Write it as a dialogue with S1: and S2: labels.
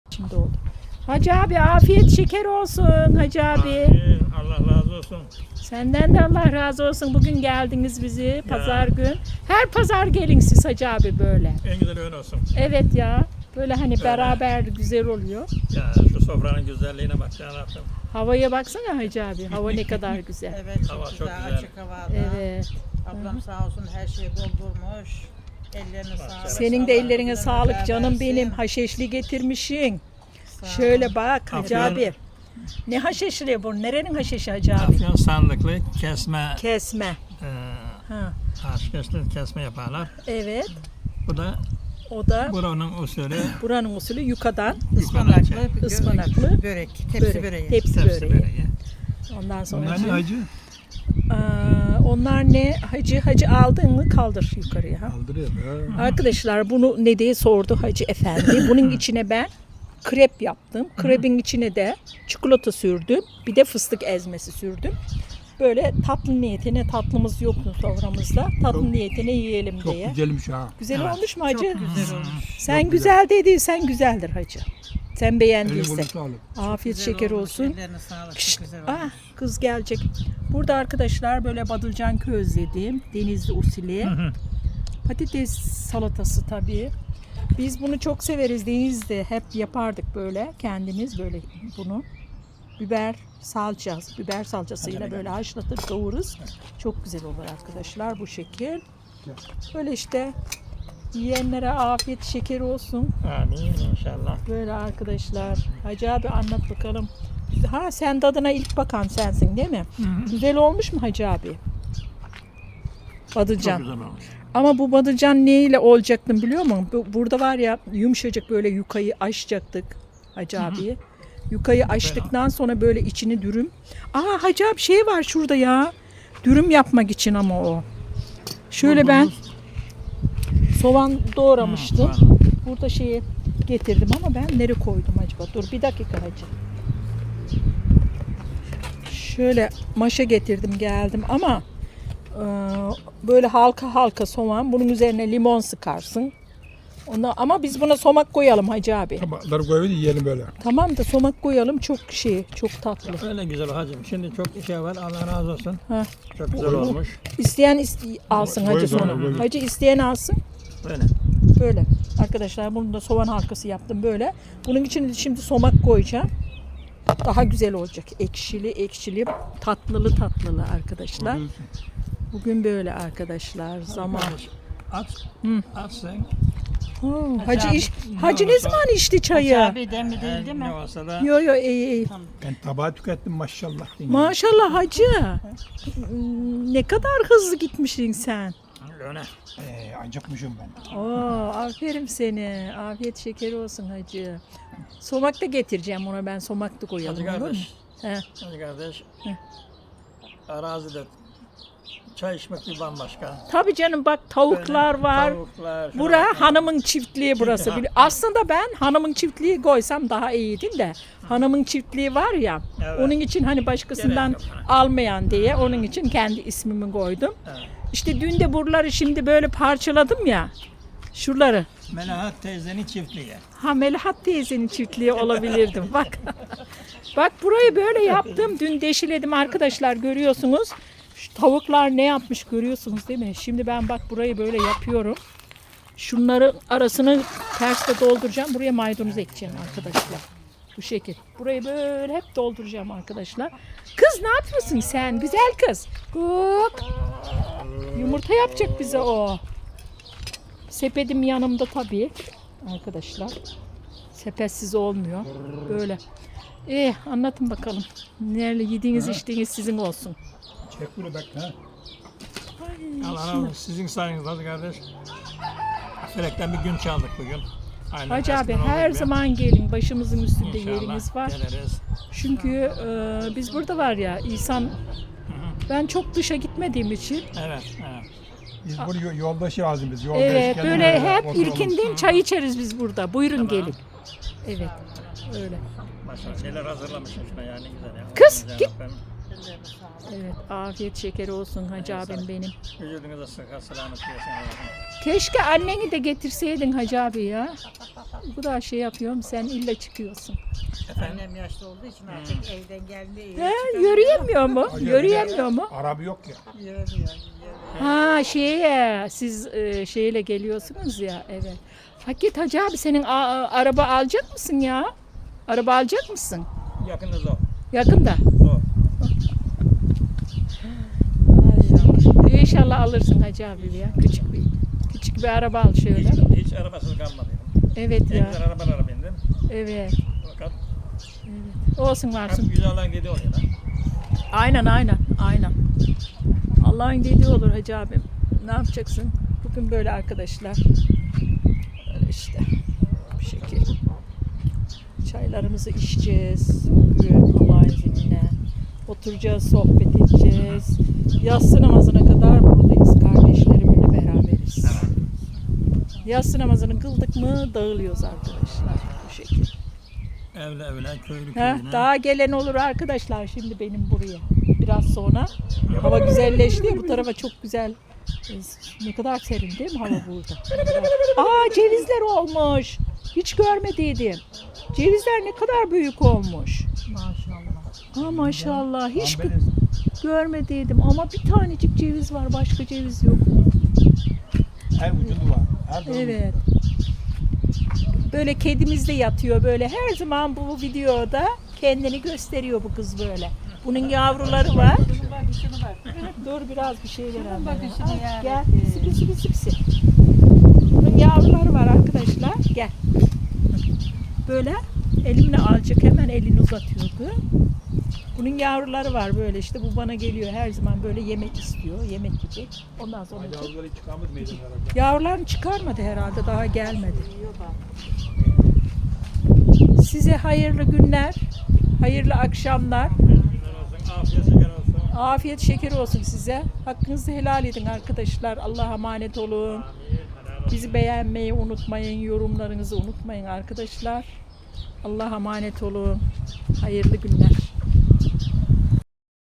S1: Şimdi oldu. Hacı abi afiyet şeker olsun Hacı abi.
S2: Allah razı olsun.
S1: Senden de Allah razı olsun. Bugün geldiniz bizi pazar gün. Her pazar gelin siz Hacı abi böyle.
S2: En güzel öyle olsun.
S1: Evet ya. Böyle hani beraber güzel oluyor.
S2: Ya şu sofranın güzelliğine bak ya Rabbim.
S1: Havaya baksana Hacı abi. Hava ne kadar güzel.
S3: Evet, çok
S2: Hava çok
S3: güzel,
S2: güzel.
S3: açık havada.
S1: Evet.
S3: Ablam sağ olsun her şeyi doldurmuş. Ellerine sağlık.
S1: Senin de
S3: Allah
S1: ellerine
S3: ömürler
S1: sağlık canım
S3: versin.
S1: benim. Haşeşli getirmişsin.
S3: Sağ ol.
S1: Şöyle bak Hacı
S2: Afiyet.
S1: abi. Ne haşeşli bu? Nerenin haşeşi Hacı abi?
S2: Afyon sandıklı kesme,
S1: Kesme. Ha.
S2: haşkeşli kesme yaparlar.
S1: Evet.
S2: Bu da
S1: O da
S2: buranın usulü
S1: buranın usulü yukadan
S3: Ispanaklı,
S1: ıspanaklı
S3: börek, tepsi
S1: börek.
S3: böreği.
S1: Tepsi
S2: tepsi
S1: böreği.
S2: böreği.
S1: Ondan sonra
S4: Onlar ne hacı?
S1: onlar ne? Hacı aldın mı kaldır yukarıya.
S4: Kaldırıyor.
S1: Arkadaşlar bunu ne diye sordu Hacı Efendi. Bunun içine ben krep yaptım. Krebin içine de çikolata sürdüm. Bir de fıstık ezmesi sürdüm. Böyle tatlı niyetine, tatlımız yoktu soframızda. Tatlı niyetine yiyelim
S4: Çok
S1: diye.
S4: güzelmiş ha.
S1: Güzel
S2: Evet.
S1: olmuş mu Hacı?
S3: Çok güzel olmuş.
S1: Sen
S4: Çok
S1: güzel dediysen güzeldir Hacı. Sen
S4: Eline
S1: beğendiysen.
S4: koluna sağlık.
S1: Afiyet
S3: Güzel
S1: şeker
S3: olmuş,
S1: olsun.
S3: Ellerine sağlık,
S1: Şşt,
S3: çok güzel olmuş.
S1: kız gelecek. Burada arkadaşlar böyle badılcan közledim. Denizli usulü. Patates salatası tabii. Biz bunu çok severiz Denizli'de. Hep yapardık böyle kendimiz böyle bunu. Biber salçasıyla böyle haşlatır kavururuz. Çok güzel olur arkadaşlar bu şekil. Böyle işte yiyenlere afiyet şeker olsun.
S2: Amin inşallah.
S1: Böyle arkadaşlar. Hacı abi anlat bakalım. Ha sen tadına ilk bakan sensin değil mi? Güzel olmuş mu Hacı abi?
S2: Çok
S1: Badılcan.
S2: güzel olmuş.
S1: Ama bu badılcan neyle olacaktım biliyor musun? Burada var ya yumuşacık böyle yukayı açacaktık Hacı abiye. Yukayı açtıktan sonra böyle içini dürüm. Hacı abi şey var şurada ya. Dürüm yapmak için ama o. Şöyle ben soğan doğramıştım. Burada şeyi getirdim ama ben nereye koydum acaba? Dur bir dakika Hacı. Şöyle maşa getirdim geldim ama böyle halka halka soğan. Bunun üzerine limon sıkarsın. Ama biz buna somak koyalım Hacı abi.
S4: Tabakları koyalım yiyelim böyle.
S1: Tamam da somak koyalım çok tatlı.
S2: Öyle güzel hacım. Şimdi çok şey var. Allah razı olsun.
S1: Ha.
S2: Çok güzel olmuş.
S1: İsteyen alsın Hacı
S4: Koy,
S1: sonra.
S4: koy.
S1: Hacı isteyen alsın.
S2: Böyle.
S1: Böyle. Arkadaşlar bunu da soğan halkası yaptım böyle. Bunun için şimdi somak koyacağım. Daha güzel olacak. Ekşili, tatlılı arkadaşlar. Bugün böyle arkadaşlar. Zaman.
S2: At. At sen.
S1: Hacı ne zaman içti çayı?
S3: Abi demli değil değil mi?
S2: Ne olsa da
S1: Yo iyi.
S4: Ben tabağı tükettim maşallah.
S1: Maşallah Hacı. Ne kadar hızlı gitmişsin sen.
S2: öyle.
S4: Acıkmışım ben.
S1: Aferin seni. Afiyet şekeri olsun Hacı. Somak da getireceğim ona ben. Somak da koyalım.
S2: Hacı
S1: olur mu?
S2: kardeş.
S1: He.
S2: Hacı kardeş.
S1: Hı.
S2: Arazide çay içmek bir bambaşka.
S1: Tabii canım bak tavuklar
S2: Böyle
S1: var.
S2: Tavuklar. şuna
S1: Bura
S2: bak.
S1: hanımın çiftliği burası.
S2: Ha.
S1: Aslında ben hanımın çiftliği koysam daha iyiydi de. Hanımın çiftliği var ya.
S2: Evet.
S1: Onun için hani başkasından
S2: Gerek yok.
S1: almayan diye onun için kendi ismimi koydum.
S2: Evet.
S1: İşte dün de buraları şimdi böyle parçaladım ya. Şuraları.
S2: Melahat teyzenin çiftliği.
S1: Melahat teyzenin çiftliği olabilirdim. Bak. Bak burayı böyle yaptım. Dün deşiledim arkadaşlar görüyorsunuz. Şu tavuklar ne yapmış görüyorsunuz değil mi? Şimdi ben bak burayı böyle yapıyorum. Şunları arasını tersle dolduracağım. Buraya maydanoz ekeceğim arkadaşlar. Bu şekil. Burayı böyle hep dolduracağım arkadaşlar. Kız ne yapıyorsun sen? Güzel kız. Hop. Yumurta yapacak bize o. Sepetim yanımda tabii. Arkadaşlar. Sepetsiz olmuyor. Böyle. Anlatın bakalım. Nerede yediğiniz içtiğiniz sizin olsun.
S4: Çek bunu bak ha.
S2: Allah razı olsun. Sizin sayenizde hacı kardeş. Felekten bir gün çaldık bugün. Aynen
S1: Hacı abi
S2: eskiden olduğu
S1: her
S2: gibi.
S1: zaman gelin. Başımızın üstünde
S2: İnşallah
S1: yeriniz var.
S2: geliriz.
S1: Çünkü biz burada var ya insan ben çok dışa gitmediğim için
S2: Evet, evet.
S4: Biz bunu yoldaşı lazım biz. Yoldaş
S1: evet
S4: kendine
S1: böyle hep
S4: oturalım.
S1: ilkinden çay içeriz biz burada. Buyurun gelin. Evet. Öyle.
S2: Başka şeyler hazırlamışım şuna yani güzel ya.
S1: Kız,
S2: Güzel
S1: git.
S2: yapayım.
S3: Ellerine sağlık.
S1: Evet, afiyet şekeri olsun Hacı
S2: Evet,
S1: abim benim.
S2: Vücudunuza sıhhat, selamet versin Allah'ım.
S1: Keşke anneni de getirseydin Hacı abi ya. Bu kadar şey yapıyorum, sen illa çıkıyorsun.
S2: Efendim?
S3: Annem yaşlı olduğu için artık evden geldi.
S1: He, yürüyemiyor mu?
S4: Acı
S1: Yürüyemiyor mu?
S4: Araba yok ya.
S3: Yürüyor.
S1: Ha siz şeyle geliyorsunuz ya, evet. Hakikaten Hacı abi senin araba alacak mısın ya? Araba alacak mısın?
S2: Yakında zor.
S1: Yakında.
S2: Zor.
S1: İnşallah alırsın Hacı abi ya. Küçük bir araba al şöyle.
S2: Hiç arabasız kalmadım.
S1: Evet
S2: En
S1: ya.
S2: güzel arabalara bindim.
S1: Evet.
S2: Fakat
S1: Olsun
S2: hep
S1: varsın.
S2: güzel olan dediği oluyor da.
S1: Aynen. Allah'ın dediği olur Hacı abim. Ne yapacaksın? Bugün böyle arkadaşlar. Böyle işte. Bir şekil. Çaylarımızı içeceğiz. Bugün Allah'ın izniyle. Oturacağız, sohbet edeceğiz. Yatsı namazına kadar buradayız. Kardeşlerimle beraberiz. Yatsı namazını kıldık mı dağılıyoruz arkadaşlar. Bu şekil.
S2: Evle köylü
S1: Heh,
S2: köyüne.
S1: daha gelen olur arkadaşlar şimdi benim buraya. Biraz sonra hava güzelleşti. Bu tarafa çok güzel. Ne kadar serin değil mi hava burada? Aa cevizler olmuş. Hiç görmediydim. Cevizler ne kadar büyük olmuş.
S3: Maşallah.
S1: Aa maşallah. Hiç
S4: Ambeliz.
S1: görmediydim ama bir tanecik ceviz var. Başka ceviz yok.
S4: Her ucundu var. Her tarafı.
S1: Evet. Böyle kedimiz de yatıyor böyle. Her zaman bu videoda kendini gösteriyor bu kız böyle. Bunun yavruları var.
S3: Şunu bak.
S1: Dur biraz bir şey ver
S3: Şunun
S1: anne.
S3: bakışını
S1: Al,
S3: yani.
S1: Gel. Sipsi. Bunun yavruları var arkadaşlar. Gel. Böyle elimle alacak hemen elini uzatıyordu. Bunun yavruları var böyle işte bu bana geliyor her zaman böyle yemek istiyor. Yemek yiyecek. Ondan sonra
S4: Yavruları hiç çıkarmadı meydanlara.
S1: yavrularını çıkarmadı herhalde daha gelmedi. Size hayırlı günler, hayırlı akşamlar.
S2: Günler olsun, afiyet şeker olsun.
S1: Afiyet şekeri olsun size. Hakkınızı helal edin arkadaşlar. Allah'a emanet olun. Bizi beğenmeyi unutmayın. Yorumlarınızı unutmayın arkadaşlar. Allah'a emanet olun. Hayırlı günler.